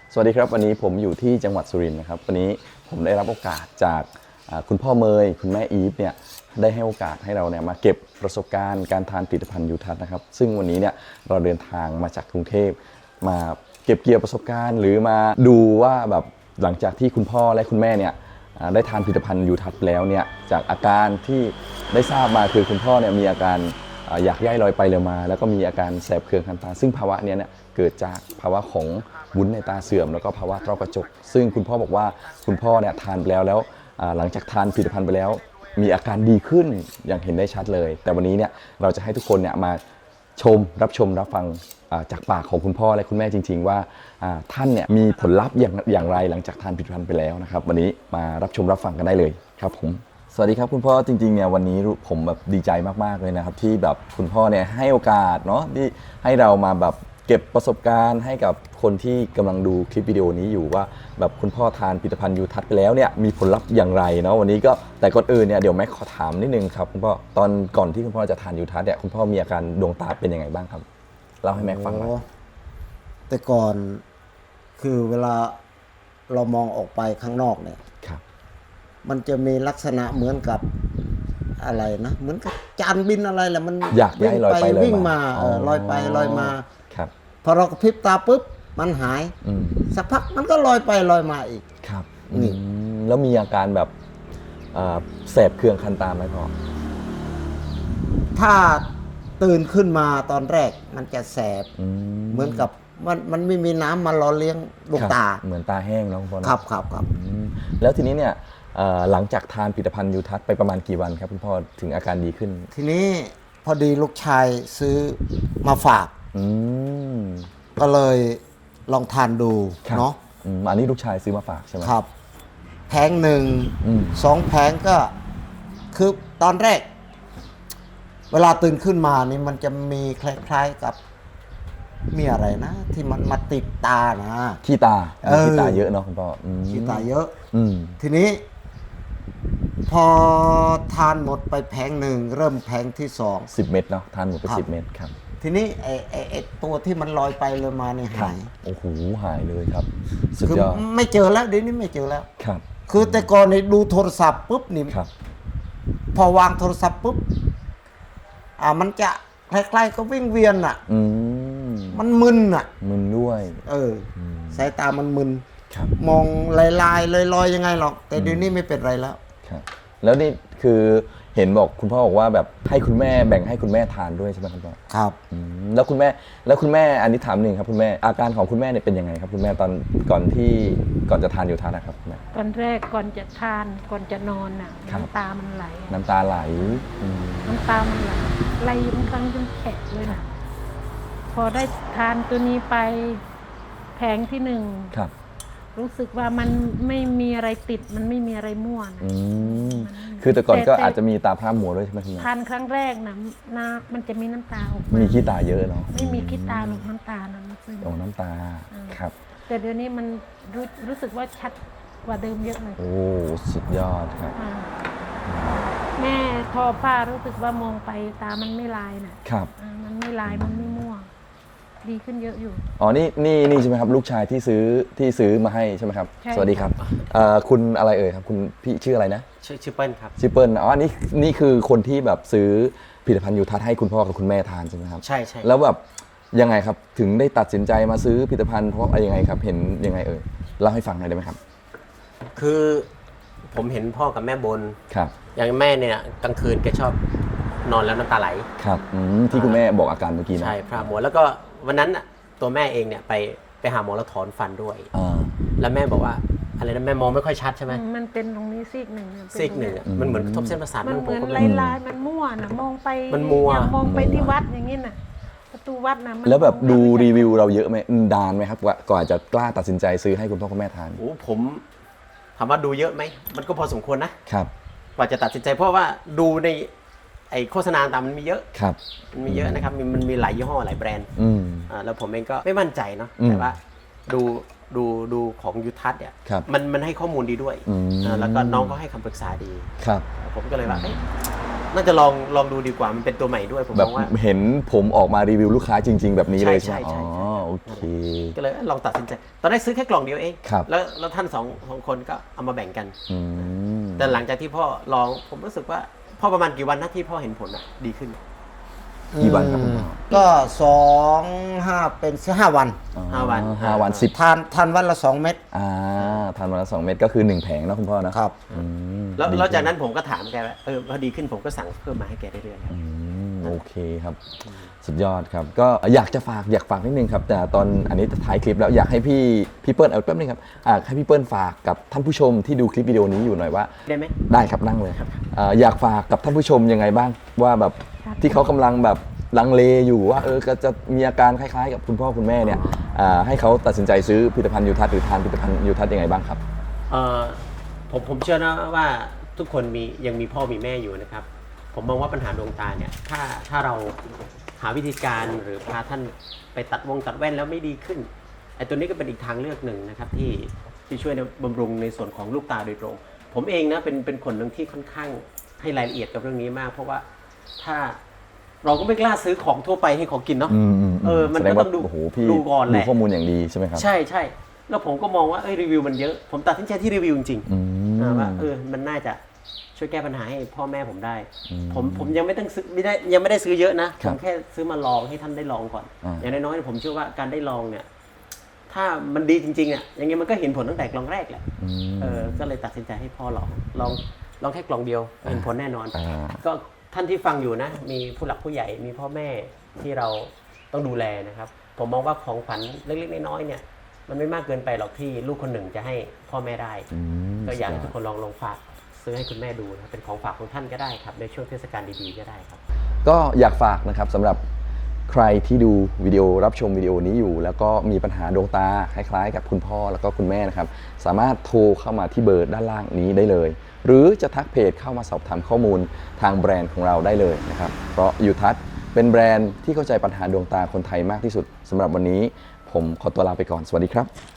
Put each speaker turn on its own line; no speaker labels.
สวัสดีครับวันนี้ผมอยู่ที่จังหวัดสุรินทร์นะครับวันนี้ผมได้รับโอกาสจากคุณพ่อเมยคุณแม่อีฟเนี่ยได้ให้โอกาสให้เราเนี่ยมาเก็บประสบการณ์การทานผลิตภัณฑ์ยูทัศน์นะครับซึ่งวันนี้เนี่ยเราเดินทางมาจากกรุงเทพมาเก็บเกี่ยวประสบการณ์หรือมาดูว่าแบบหลังจากที่คุณพ่อและคุณแม่เนี่ยได้ทานผลิตภัณฑ์ยูทัศน์แล้วเนี่ยจากอาการที่ได้ทราบมาคือคุณพ่อเนี่ยมีอาการอยากย่ายลอยไปเลยมาแล้วก็มีอาการแสบเคืองคันตาซึ่งภาวะนี้เนี่ยเกิดจากภาวะของวุ้นในตาเสื่อมแล้วก็ภาวะต้อกระจกซึ่งคุณพ่อบอกว่าคุณพ่อเนี่ยทานไปแล้วหลังจากทานผลิตภัณฑ์ไปแล้วมีอาการดีขึ้นอย่างเห็นได้ชัดเลยแต่วันนี้เนี่ยเราจะให้ทุกคนเนี่ยมารับชมรับฟังจากปากของคุณพ่อและคุณแม่จริงๆว่าท่านเนี่ยมีผลลัพธ์อย่างไรหลังจากทานผลิตภัณฑ์ไปแล้วนะครับวันนี้มารับชมรับฟังกันได้เลยครับผมสวัสดีครับคุณพ่อจริงๆเนี่ยวันนี้ผมแบบดีใจมากๆเลยนะครับที่แบบคุณพ่อเนี่ยให้โอกาสเนาะที่ให้เรามาแบบเก็บประสบการณ์ให้กับคนที่กำลังดูคลิปวิดีโอนี้อยู่ว่าแบบคุณพ่อทานผลิตภัณฑ์ยูทัศน์ไปแล้วเนี่ยมีผลลัพธ์อย่างไรเนาะวันนี้ก็แต่ก่อนอื่นเนี่ยเดี๋ยวแม็กขอถามนิดนึงครับคุณพ่อตอนก่อนที่คุณพ่อจะทานยูทัศน์เนี่ยคุณพ่อมีอาการดวงตาเป็นยังไงบ้างครับเล่าให้แม็กฟังหน่อย
แต่ก่อนคือเวลาเรามองออกไปข้างนอกเนี่ย
ครับ
มันจะมีลักษณะเหมือนกับอะไรนะเหมือนกับจานบินอะไรแหละมัน
อยากย้ายลอยไปลอยมา
วิ่งมาลอยไปลอยมา
ครับ
พอเรากระพริบตาปุ๊บมันหายสักพักมันก็ลอยไปลอยมาอีก
ครับ
นี่
แล้วมีอาการแบบแสบเคืองคันตาไหมพ่อ
ถ้าตื่นขึ้นมาตอนแรกมันจะแสบเหมือนกับมันไม่มีน้ำมาหล่อเลี้ยงดวงตา
เหมือนตาแห้งน้องพ่อ
ครับ
แล้วทีนี้เนี่ยหลังจากทานผลิตภัณฑ์ยูทัศน์ไปประมาณกี่วันครับคุณพ่อถึงอาการดีขึ้น
ทีนี้พอดีลูกชายซื้อมาฝากก็เลยลองทานดูเนาะ
อันนี้ลูกชายซื้อมาฝากใช่ไหม
ครับแผงหนึ่ง2 แผงก็คือตอนแรกเวลาตื่นขึ้นมานี่มันจะมีคล้ายๆกับมีอะไรนะที่มันมาติดตานะ
ขี้ตาเยอะเนาะคุณพ่อ
ขี้ตาเยอะทีนี้พอทานหมดไปแผงหนึ่งเริ่มแผงที่
10 เม็ดเนาะทานหมดไป10 เม็ดครับ
ทีนี้ไอ้ตัวที่มันลอยไปเลยมาเนี่ยหาย
โอ้โหหายเลยครับสุดยอด
ไม่เจอแล้วเดี๋ยวนี้ไม่เจอแล้ว
ครับ
คือแต่ก่อนนี่ดูโทรศัพท์ปุ๊บนี่พอวางโทรศัพท์ปุ๊บมันจะคล้ายๆก็วิ่งเวียนอ่ะมันมึนอ่ะ
มึนด้วย
สายตามันมึนมองลายๆลอยๆยังไงหรอกแต่เดี๋ยวนี้ไม่เป็นไรแล้ว
ครับแล้วนี่คือเห็นบอกคุณพ่อบอกว่าแบบให้คุณแม่แบ่งให้คุณแม่ทานด้วยใช่ไหมคุณพ่อ
ครับ
แล้วคุณแม่อันนี้ถามหนึ่งครับคุณแม่อาการของคุณแม่เนี่ยเป็นยังไงครับคุณแม่ตอนก่อนจะทานยูทัศน์นะครับคุณแม่
ตอนแรกก่อนจะทานก่อนจะนอนน่ะน้ำตามันไหล
น้ำตาไหล
น้ำตามันไหลบางครั้งจนแฉะเลยนะพอได้ทานตัวนี้ไปแผงที่1
ครับ
รู้สึกว่ามันไม่มีอะไรติดมันไม่มีอะไรมั่วนะ
คือแต่ก่อนก็อาจจะมีตาพร่ามัวด้วยใช่ไหมคุณแม่
ทานครั้งแรกนะมันจะมีน้ำตาออก
มีขี้ตาเยอะเนาะ
ไม่มีขี้ตาหรอกน้ำตานะ
น้ำตาครับ
แต่เดี๋ยวนี้มันรู้สึกว่าชัดกว่าเดิมเยอะเลย
โอ้สุดยอดครับ
แม่ทอผ้ารู้สึกว่ามองไปตามันไม่ลายนะครับมันไม่ลายมันไม่มั่วดีขึ้นเยอะอยู่
อ๋อนี่ใช่ไหมครับลูกชายที่ซื้อมาให้ใช่ไหมครับสวัสดีครับคุณอะไรเอ่ยครับคุณพี่ชื่ออะไรนะ
ชื่อเปิ้ลครับ
ชื่อเปิ้ลอ๋อนี่คือคนที่แบบซื้อผลิตภัณฑ์ยูทัศน์ให้คุณพ่อกับคุณแม่ทานใช่ไหมครับ
ใช่
แล้วแบบยังไงครับถึงได้ตัดสินใจมาซื้อผลิตภัณฑ์เพราะอะไรยังไงครับเห็นยังไงเอ่ยเล่าให้ฟังหน่อยได้ไหมครับ
คือผมเห็นพ่อกับแม่บน
ครับ
อย่างแม่เนี่ยกลางคืนแกชอบนอนแล้วน้ำตาไหล
ครับที่คุณแม่บอกอาการเมื่อกี้นะ
ใช่พร่ามัวแล้วก็วันนั้นตัวแม่เองเนี่ยไปหาหมอแล้วถอนฟันด้วยแล้วแม่บอกว่าอะไรนะแม่มองไม่ค่อยชัดใช่ไหม
มันเป็นตรงนี้ซีกหนึ่ง
มันเหมือนกระทบเส้นประสาท
มันเหมือนลายมันมั่วนะมองไป
มันมัว
มองไปที่วัดอย่างนี้น่ะประตูวัดนะ
แล้วแบบดูรีวิวเราเยอะไหมนานไหมครับก่อนจะกล้าตัดสินใจซื้อให้คุณพ่อคุณแม่ทาน
โอ้ผมถามว่าดูเยอะไหมมันก็พอสมควรนะครับกว่าจะตัดสินใจเพราะว่าดูในไอโฆษณาต่างมันมีเยอะ
ครับ
มันมีเยอะนะครับมันมีหลายยี่ห้อหลายแบรนด์แล้วผมเองก็ไม่มั่นใจเนาะแต่ว่าดูของยูทัศน์เนี่ยมันให้ข้อมูลดีด้วยแล้วก็น้องก็ให้คำปรึกษาดี
ครับ
ผมก็เลยว่าน่าจะลองดูดีกว่ามันเป็นตัวใหม่ด้วยผม
แบบ
ว่า
เห็นผมออกมารีวิวลูกค้าจริงๆแบบนี้เลยใช่ไหมอ๋อโอเค
ก็เลยลองตัดสินใจ ตอนแรกซื้อแค่กล่องเดียวเอง
ครับ
แล้วท่านสองคนก็เอามาแบ่งกัน
อืม
แต่หลังจากที่พ่อลองผมรู้สึกว่าพ่อประมาณกี่วันนะที่พ่อเห็นผลอะดีขึ้น
กี่วันครับคุณพ่อ
ก็2-5เป็น5 วัน
ห้าวัน
5 วัน 10
ทานวันละ2 เม็ด
ทานวันละ2 เม็ดก็คือ 1 แผงนะคุณพ่อนะครับ อืม
แล้วจากนั้นผมก็ถามแกว่าพอดีขึ้นผมก็สั่งเพิ่มมาให้แกเรื่อยๆครับ
โอเคครับ สุดยอดครับ ก็อยากฝากนิดนึงครับ แต่ตอนอันนี้ท้ายคลิปแล้วอยากให้พี่เปิ้ลเอาแป๊บนึงครับให้พี่เปิ้ลฝากกับท่านผู้ชมที่ดูคลิปวิดีโอนี้อยู่หน่อยว่า
ได้ไหม
ได้ครับนั่งเลยครับอยากฝากกับท่านผู้ชมยังไงบ้างว่าแบบที่เขากำลังแบบลังเลอยู่ว่าก็จะมีอาการคล้ายๆ กับคุณพ่อคุณแม่เนี่ยให้เขาตัดสินใจซื้อผลิตภัณฑ์ยูทัศน์หรือทานผลิตภัณฑ์ยูทัศน์ยังไงบ้างครับ
ผมเชื่อนะว่าทุกคนยังมีพ่อมีแม่อยู่นะครับ ผมมองว่าปัญหาดวงตาเนี่ยถ้าเราหาวิธีการหรือพาท่านไปตัดแว่นแล้วไม่ดีขึ้นไอ้ตัวนี้ก็เป็นอีกทางเลือกหนึ่งนะครับที่ช่วยในบำรุงในส่วนของลูกตาโดยตรง ผมเองนะเป็นคนหนึ่งที่ค่อนข้างให้รายละเอียดกับเรื่องนี้มาก เพราะว่าถ้าเราก็ไม่กล้าซื้อของทั่วไปให้เขากินเนาะมันก็ต้องดูก่อนแหละ
ดูข้อมูลอย่างดีใช่ไหมครับ
ใช่แล้วผมก็มองว่ารีวิวมันเยอะผมตัดสินใจที่รีวิวจริงๆว่ามันน่าจะช่วยแก้ปัญหาให้พ่อแม่ผมได้ผมยังไม่ต้องซื้อยังไม่ได้ซื้อเยอะนะผมแค่ซื้อมาลองให้ท่านได้ลองก่อนอย่างน้อยๆผมเชื่อว่าการได้ลองเนี่ยถ้ามันดีจริงๆอ่ะอย่างเงี้ยมันก็เห็นผลตั้งแต่กล่องแรกแหละก็เลยตัดสินใจให้พ่อลองแค่กล่องเดียวเห็นผลแน่นอนก็ท่านที่ฟังอยู่นะมีผู้หลักผู้ใหญ่มีพ่อแม่ที่เราต้องดูแลนะครับผมมองว่าของขวัญเล็กๆน้อยๆเนี่ยมันไม่มากเกินไปหรอกที่ลูกคนหนึ่งจะให้พ่อแม่ได้ก็อยากให้ทุกคนลองฝากซื้อให้คุณแม่ดูนะเป็นของฝากของท่านก็ได้ครับในช่วงเทศกาลดีๆก็ได้ครับ
ก็อยากฝากนะครับสำหรับใครที่ดูวิดีโอรับชมวิดีโอนี้อยู่แล้วก็มีปัญหาดวงตาคล้ายๆกับคุณพ่อแล้วก็คุณแม่นะครับสามารถโทรเข้ามาที่เบอร์ด้านล่างนี้ได้เลยหรือจะทักเพจเข้ามาสอบถามข้อมูลทางแบรนด์ของเราได้เลยนะครับเพราะยูทัศน์เป็นแบรนด์ที่เข้าใจปัญหาดวงตาคนไทยมากที่สุดสำหรับวันนี้ผมขอตัวลาไปก่อนสวัสดีครับ